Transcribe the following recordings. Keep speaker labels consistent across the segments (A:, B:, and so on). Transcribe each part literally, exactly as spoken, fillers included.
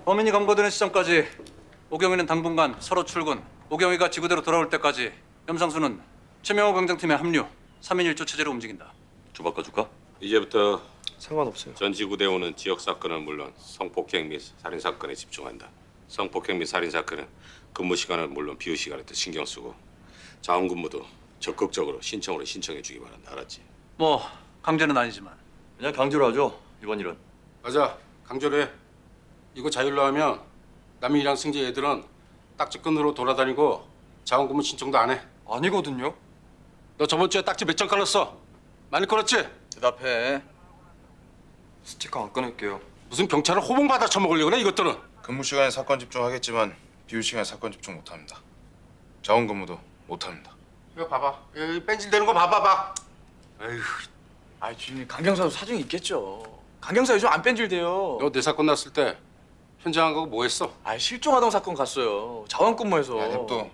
A: 범인이 검거되는 시점까지 오경이는 당분간 서로 출근, 오경이가 지구대로 돌아올 때까지 염상수는 최명호 강장팀에 합류, 삼 인 일 조 체제로 움직인다.
B: 좀 바꿔줄까?
C: 이제부터
D: 상관없어요.
C: 전 지구대원은 지역 사건은 물론 성폭행 및 살인 사건에 집중한다. 성폭행 및 살인 사건은 근무 시간은 물론 비휴 시간에도 신경 쓰고 자원 근무도 적극적으로 신청으로 신청해 주기 바란다. 알았지?
A: 뭐 강제는 아니지만.
B: 그냥 강제로 하죠. 이번 일은.
E: 맞아. 강제로 해. 이거 자율로 하면 남인이랑 승재 애들은 딱지끈으로 돌아다니고 자원근무 신청도 안 해.
D: 아니거든요.
E: 너 저번 주에 딱지 몇 장 깔았어? 많이 깔았지?
D: 대답해. 스티커 안 끊을게요.
E: 무슨 경찰을 호봉받아 처먹으려고 그래 이것들은.
F: 근무 시간에 사건 집중하겠지만 비휴 시간에 사건 집중 못합니다. 자원 근무도 못합니다.
E: 이거 봐봐. 여기 뺀질대는 거 봐봐봐. 에휴.
D: 아 주임님 강경사도 사정이 있겠죠. 강경사 요즘 안 뺀질대요.
E: 너 내 사건 났을 때 현장 안 가고 뭐 했어?
D: 아 실종하던 사건 갔어요. 자원근무해서.
F: 야 냅둬.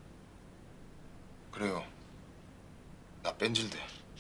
F: 그래요. 나 뺀질대.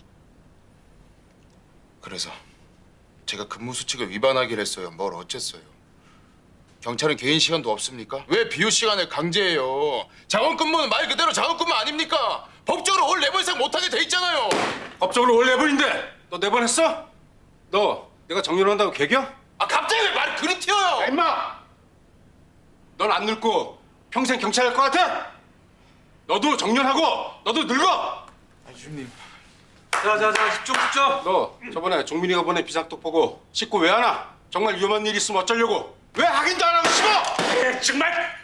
F: 그래서 제가 근무 수칙을 위반하기로 했어요. 뭘 어쨌어요. 경찰은 개인 시간도 없습니까? 왜 비휴 시간에 강제해요? 자원 근무는 말 그대로 자원 근무 아닙니까? 법적으로 월 네 번 이상 못하게 돼 있잖아요.
E: 법적으로 월 네 번인데 너 네 번 했어? 너 내가 정년한다고 개겨?
F: 아 갑자기 왜 말이 그리 튀어요?
E: 야, 임마! 넌 안 늙고 평생 경찰 할 것 같아? 너도 정년하고 너도 늙어!
D: 아 주임님.
A: 자자자 집중 집중.
E: 너 저번에 종민이가 보낸 비상톡 보고 씻고 왜 안 와? 정말 위험한 일 있으면 어쩌려고? 왜 확인도 안 하고 씹어?
C: 정말?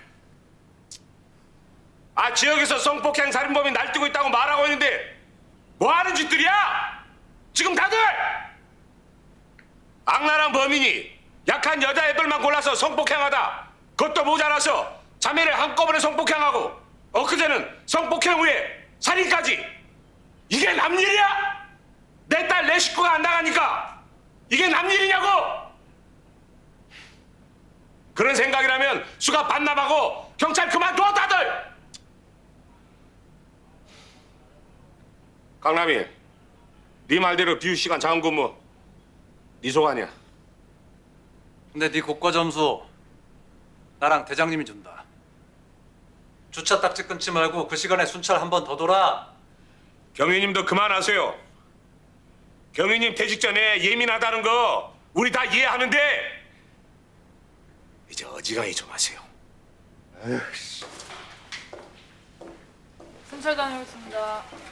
C: 아 지역에서 성폭행 살인범이 날뛰고 있다고 말하고 있는데 뭐 하는 짓들이야? 지금 다들 악랄한 범인이 약한 여자애들만 골라서 성폭행하다 그것도 모자라서 자매를 한꺼번에 성폭행하고 엊그제는 성폭행 후에 살인까지 이게 남일이야? 내 딸 내 식구가 안 나가니까 이게 남일이냐고? 그런 생각이라면 수갑 반납하고 경찰 그만둬 다들! 강남이 네 말대로 비휴 시간 자원 근무 네 소관이야.
A: 근데 네 고과 점수 나랑 대장님이 준다. 주차 딱지 끊지 말고 그 시간에 순찰 한 번 더 돌아.
C: 경위님도 그만하세요. 경위님 퇴직 전에 예민하다는 거 우리 다 이해하는데 이제 어지간히 좀 하세요.
G: 순찰 다녀오겠습니다.